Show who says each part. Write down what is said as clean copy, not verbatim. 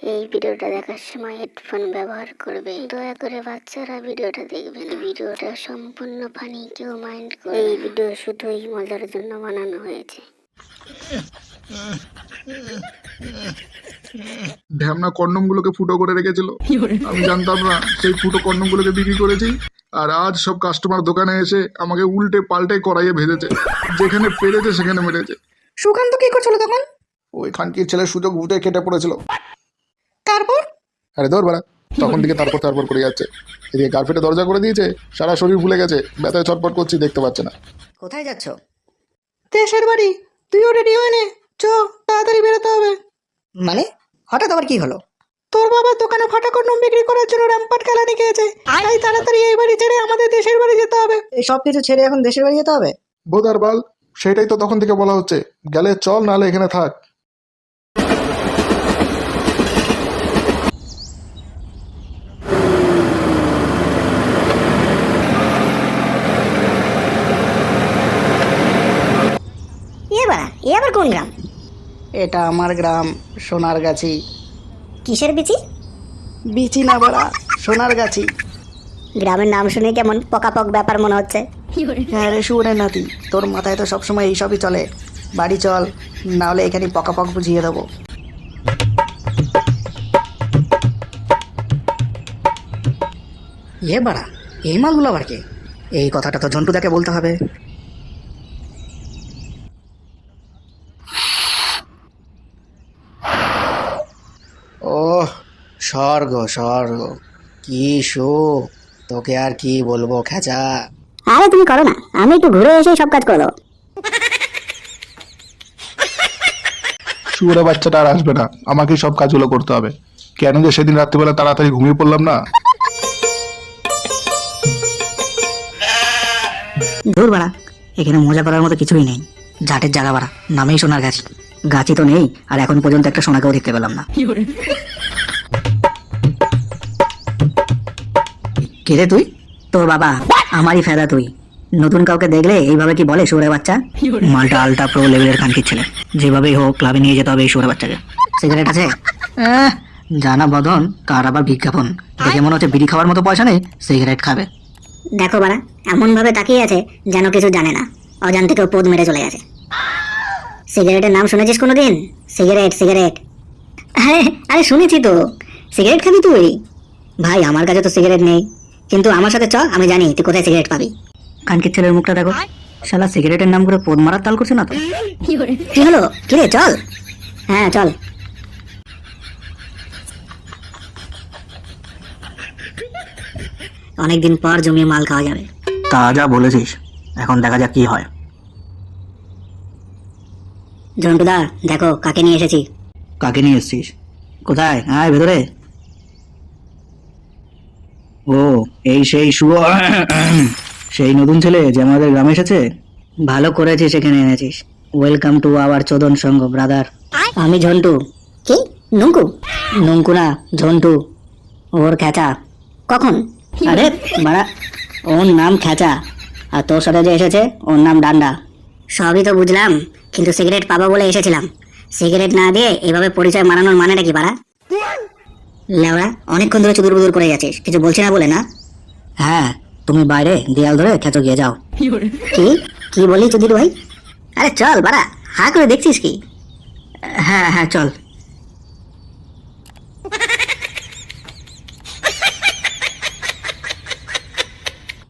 Speaker 1: এই ভিডিওটা দেখার সময় হেডফোন ব্যবহার করবে। দয়া করে বাচ্চারা ভিডিওটা দেখবেন। ভিডিওটা সম্পূর্ণ ফানি, কেউ মাইন্ড করে। এই ভিডিও শুধুই মজার জন্য বানানো হয়েছে।
Speaker 2: ঢ্যামনা কন্ডম গুলোকে ফুটো করে রেখেছিল, আমি জানতাম না। সেই ফুটো কন্ডম গুলোকে বিক্রি করেছি, আর আজ সব কাস্টমার দোকানে এসে আমাকে উল্টে পাল্টে করাইয়ে ভেজেছে। যেখানে পেরেছে সেখানে মেরেছে।
Speaker 3: সুকান্ত কি করছিল তখন?
Speaker 2: ওই খানকির ছেলের সুযোগ ভুটে কেটে পড়েছিল।
Speaker 3: তারপর?
Speaker 2: আরে দৌড় বাড়া, তখন থেকে তারপর করে যাচ্ছে। এদিকে গার্লফ্রেন্ডে দরজা করে দিয়েছে, সারা শরীর ফুলে গেছে, ব্যথায় ছটপট করছি, দেখতে পাচ্ছে না।
Speaker 3: কোথায় যাচ্ছ? দেশের বাড়ি। তুইও রেডি হয়ে নে, চ, তাড়াতাড়ি বেরোতে হবে। মানে হঠাৎ আবার কি হলো? তোর বাবা দোকানে ফাটা কন্ডম বিক্রি করার জন্য র্যাম্পাট খেলানি খেয়েছে, তাই তাড়াতাড়ি এই বাড়ি ছেড়ে আমাদের দেশের বাড়ি যেতে হবে। এই সব কিছু ছেড়ে এখন দেশের বাড়ি যেতে হবে?
Speaker 2: বোধার বাল, সেটাই তো তখন থেকে বলা হচ্ছে, গেলে চল, নাহলে এখানে থাক।
Speaker 1: এ আবার কোন গ্রাম?
Speaker 3: এটা আমার গ্রাম, সোনারগাছি।
Speaker 1: কিসের বিচি?
Speaker 3: বিচি না বড়া, সোনারগাছি।
Speaker 1: গ্রামের নাম শুনে কেমন পকাপক ব্যাপার মনে হচ্ছে।
Speaker 3: হ্যাঁ রে শুয়োরের নাতি, তোর মাথায় তো সবসময় এইসবই চলে। বাড়ি চল, নাহলে এখানে পকাপক বুঝিয়ে দেবো। এ বাড়া, এই মালগুলো আবার কে? এই কথাটা তো ঝন্টুদাকে বলতে হবে। ওহ, স্বর্গ স্বর্গ, কি সুখ! তোকে আর কি বলবো খেচা।
Speaker 1: আরে তুমি করো না, আমি একটু ঘুরে এসে সব কাজ করে দেবো।
Speaker 2: শুয়োরে বাচ্চাটা আর আসবে না, আমাকেই সব কাজগুলো করতে হবে। কেন যে সেদিন রাত্রিবেলা তাড়াতাড়ি ঘুমিয়ে পড়লাম না।
Speaker 3: দূর বাড়া, এখানে মজা করার মতো কিছুই নেই। জাটের জায়গা বাড়া, নামেই সোনার গাছি। গাছি তো নেই, আর এখন পর্যন্ত একটা সোনাকেও দেখতে পেলাম না। কে রে তুই? তোর বাবা। আমারই ফেদা তুই। নতুন কাউকে দেখলে এইভাবে কি বলে শুয়োরের বাচ্চা? মালটা আলটা প্রো লেভেলের খানকির ছেলে, যেভাবেই হোক ক্লাবে নিয়ে যেতে হবে এই শুয়োরের বাচ্চাকে। সিগারেট আছে? জানা বদন, কার আবার বিজ্ঞাপন দেখে মনে হচ্ছে বিড়ি খাওয়ার মতো পয়সা নেই, সিগারেট খাবে।
Speaker 1: দেখো বাড়া, এমন ভাবে তাকিয়ে আছে যেন কিছু জানে না, অজান থেকেও পোদ মেরে চলে গেছে। সিগারেটের নাম শুনেছিস কোনোদিন? Cigarette cigarette. আরে আরে শুনেছি তো। সিগারেট খাবি তুই? ভাই আমার কাছে তো সিগারেট নেই, কিন্তু আমার সাথে চ, আমি জানি তুই কোথায় সিগারেট পাবি।
Speaker 3: কানকির ছেলের মুখটা দেখো, শালা সিগারেটের নাম করে পোদ মারার তাল করছে না তো?
Speaker 1: কি হলো? কিরে চল। হ্যাঁ চল। অনেকদিন পর জমিয়ে মাল খাওয়া যাবে।
Speaker 3: তা যা বলেছিস, এখন দেখা যাক কি হয়।
Speaker 1: ঝন্টুদা দেখো কাকে নিয়ে এসেছি।
Speaker 3: কাকে নিয়ে এসছিস? কোথায়? আয় ভেতরে। ও, এই সেই শুভ সেই নতুন ছেলে যে আমাদের গ্রামে এসেছে। ভালো করেছিস এখানে এনেছিস। ওয়েলকাম টু আওয়ার চোদন সংঘ ব্রাদার।
Speaker 1: আমি ঝন্টু। কি? নুঙ্কু?
Speaker 3: নঙ্কু না, ঝন্টু।
Speaker 1: ওর খেচা। কখন?
Speaker 3: আরে বাড়া, ওর নাম খেচা, আর তোর সাথে যে এসেছে ওর নাম ডান্ডা।
Speaker 1: সবই তো বুঝলাম, কিন্তু সিগারেট পাবো বলে এসেছিলাম। সিগারেট না দিয়ে এইভাবে পরিচয় মানানোর মানেটা কি বাড়া? লেওড়া, অনেকক্ষণ ধরে চুদুর বুদুর করে যাচ্ছিস, কিছু বলছি না বলে না?
Speaker 3: হ্যাঁ, তুমি বাইরে দেয়াল ধরে খেচো গিয়ে যাও।
Speaker 1: কি কি বলি চুদির ভাই? আরে চল বাড়া, হা করে দেখছিস কি?
Speaker 3: হ্যাঁ হ্যাঁ চল।